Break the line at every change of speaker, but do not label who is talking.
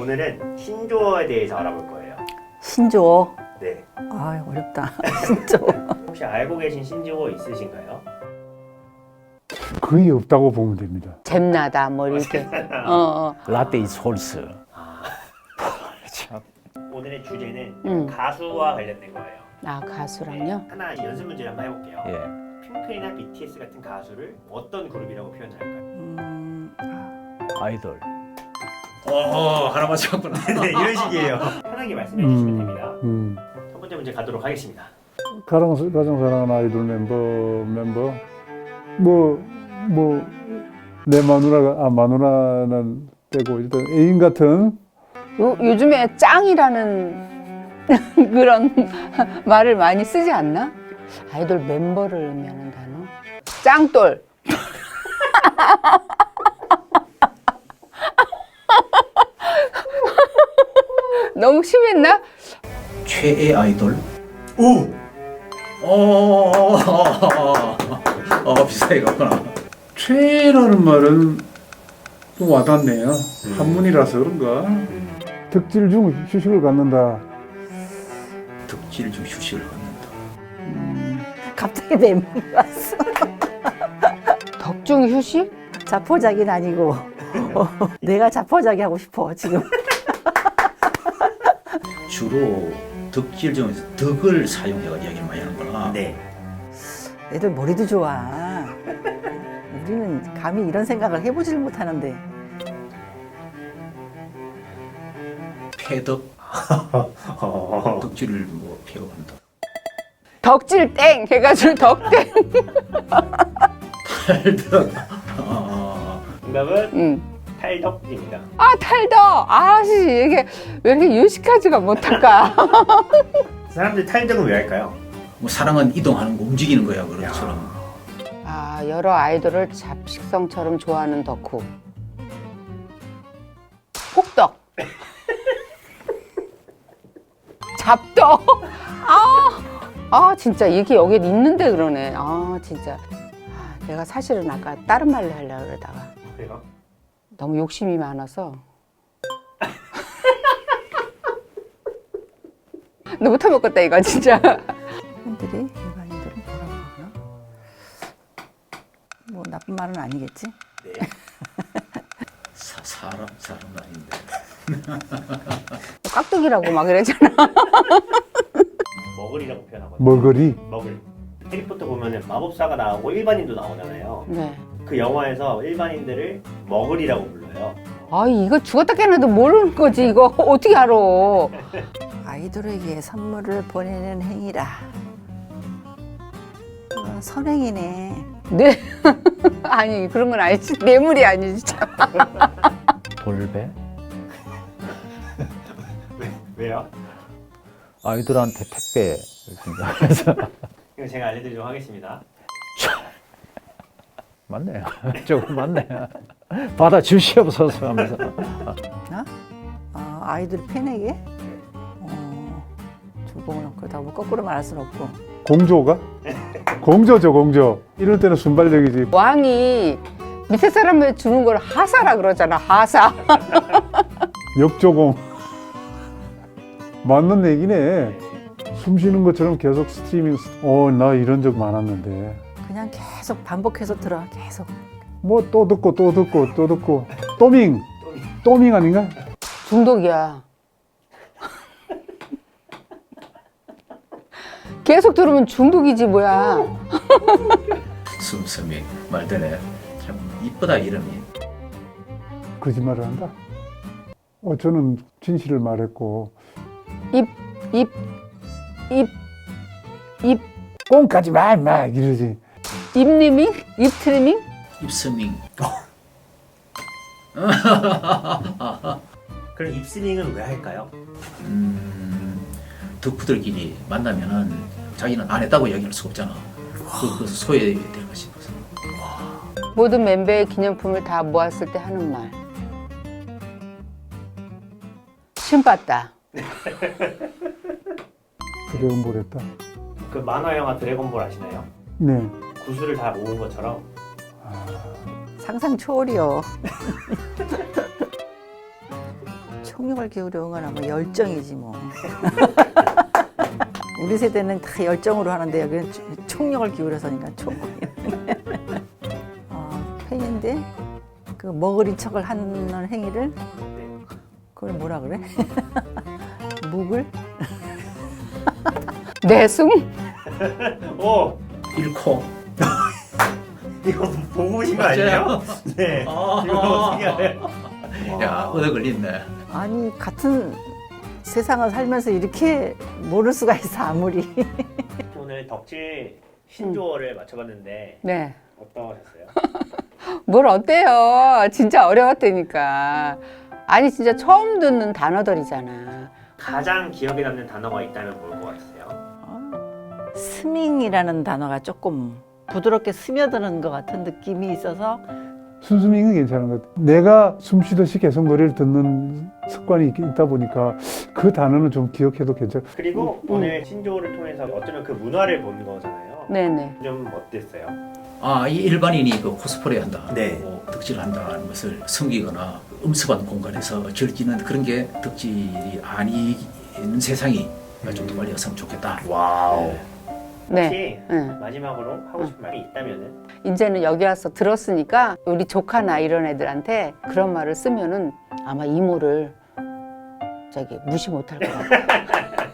오늘은 신조어에 대해서 알아볼 거예요.
신조어.
네.
아 어렵다. 신조어.
혹시 알고 계신 신조어 있으신가요?
거의 없다고 보면 됩니다.
잼나다 뭐 이렇게.
라떼 is 홀스. 참.
오늘의 주제는
음.
가수와 관련된 거예요.
아 가수랑요?
네, 하나 연습 문제를 한번 해볼게요.
예.
핑크이나 BTS 같은 가수를 어떤 그룹이라고 표현할까요?
아이돌.
하나 맞췄구나. 네, 이런 식이에요. 편하게 말씀해 주시면 됩니다. 첫 번째 문제 가도록 하겠습니다.
가정사랑하는 아이돌 멤버 내 마누라는 빼고 일단 애인 같은
요즘에 짱이라는 그런 말을 많이 쓰지 않나? 아이돌 멤버를 의미하는 단어. 짱돌. 너무 심했나?
최애 아이돌.
오!
비슷하게 갔구나.
최애라는 말은 좀 와닿네요. 한문이라서 그런가? 덕질 중 휴식을 갖는다.
덕질 중 휴식을 갖는다.
갑자기 멘붕이 왔어. 덕중 휴식?
자포자기는 아니고 내가 자포자기 하고 싶어 지금.
주로 덕질 중에서 덕을 사용해가 이야기를 많이 하는구나.
네.
애들 머리도 좋아. 우리는 감히 이런 생각을 해보질 못하는데.
패덕. 덕질을 뭐 폐업한다.
덕질 땡 해가지고 덕땡.
탈덕.
정답은 탈덕입니다.
아 탈덕. 아씨 이게 왜 이렇게 유식하지가 못할까?
사람들이 탈덕은 왜 할까요?
뭐 사랑은 이동하는 거, 움직이는 거야 그런처럼.
아 여러 아이돌을 잡식성처럼 좋아하는 덕후. 혹덕. 잡덕. 아 진짜 이게 여기 있는데 그러네. 아 진짜. 아, 내가 사실은 아까 다른 말로 하려고 그러다가
그래요?
너무 욕심이 많아서. 너 못해먹겠다 이거 진짜.
팬들이 일반인들은 뭐라고 하나? 뭐 나쁜 말은 아니겠지?
네.
사람 아닌데.
깍두기라고 막 이러잖아.
머글이라고 표현하거든요.
머거리.
머글. 해리포터 보면은 마법사가 나오고 일반인도 나오잖아요.
네.
그 영화에서 일반인들을 머글이라고 불러요.
아 이거 죽었다 깨어나도 모르는 거지 이거 어떻게 알아?
아이돌에게 선물을 보내는 행위라. 선행이네.
네. 아니 그런 건 아니지. 뇌물이 아니지 참.
볼배?
왜요?
아이돌한테 택배. 그래서
이거 제가 알려드리도록 하겠습니다.
맞네. 조금 맞네. 받아 주시옵소서 하면서.
아이돌 팬에게? 주봉을 그렇다고 뭐 거꾸로 말할 수는 없고.
공조가? 공조죠, 공조. 이럴 때는 순발력이지.
왕이 밑에 사람을 주는 걸 하사라 그러잖아. 하사.
역조공. 맞는 얘기네. 숨 쉬는 것처럼 계속 스트리밍. 나 이런 적 많았는데.
그냥 계속 반복해서 들어. 계속.
뭐 또 듣고 또 듣고 또 듣고. 또밍 아닌가?
중독이야. 계속 들으면 중독이지 뭐야.
숨섬이 말되네. 참 이쁘다 이름이.
거짓말을 한다. 저는 진실을 말했고.
입
꽁까지 막 이러지.
입리밍? 입트리밍?
입스밍.
그럼 입스닝은 왜 할까요?
덕후들끼리 만나면은 자기는 안 했다고 얘기할 수가 없잖아. 그래서 소외될까 싶어서.
모든 멤버의 기념품을 다 모았을 때 하는 말. 신봤다.
드래곤볼 했다.
그 만화 영화 드래곤볼 아시나요?
네.
구슬을 다 모은 것처럼
상상 초월이요. 총력을 기울여 응원하면 열정이지 뭐. 우리 세대는 다 열정으로 하는데 여기는 총력을 기울여서니까 총. 팬인데 그 머그린 척을 하는 행위를 그걸 뭐라 그래? 묵을?
내숭?
오!
잃고.
이거 보고 오신 거 아니에요? 네. 이거 어떻게 알아요?
야, 얻어 걸린네.
아니 같은 세상을 살면서 이렇게 모를 수가 있어 아무리.
오늘 덕질 신조어를 맞춰봤는데
네.
어떠셨어요?
뭘 어때요? 진짜 어려웠다니까. 아니 진짜 처음 듣는 단어들이잖아.
가장 기억에 남는 단어가 있다면 뭘 것 같으세요?
스밍이라는 단어가 조금 부드럽게 스며드는 것 같은 느낌이 있어서
순수밍은 괜찮은 것 같아요. 내가 숨 쉬듯이 계속 노래를 듣는 습관이 있다 보니까 그 단어는 좀 기억해도 괜찮아요.
그리고 오늘 신조어를 통해서 어쩌면 그 문화를 본 거잖아요.
네네.
좀 어땠어요?
아, 이 일반인이 그 코스프레 한다,
네.
덕질을 한다는 것을 숨기거나 음습한 공간에서 즐기는 그런 게 덕질이 아닌 세상이 좀 더 빨리 왔으면 좋겠다.
와우.
네.
혹시
응.
마지막으로 하고 싶은 말이 있다면은?
이제는 여기 와서 들었으니까 우리 조카나 이런 애들한테 그런 말을 쓰면은 아마 이모를 저기 무시 못할 것 같아.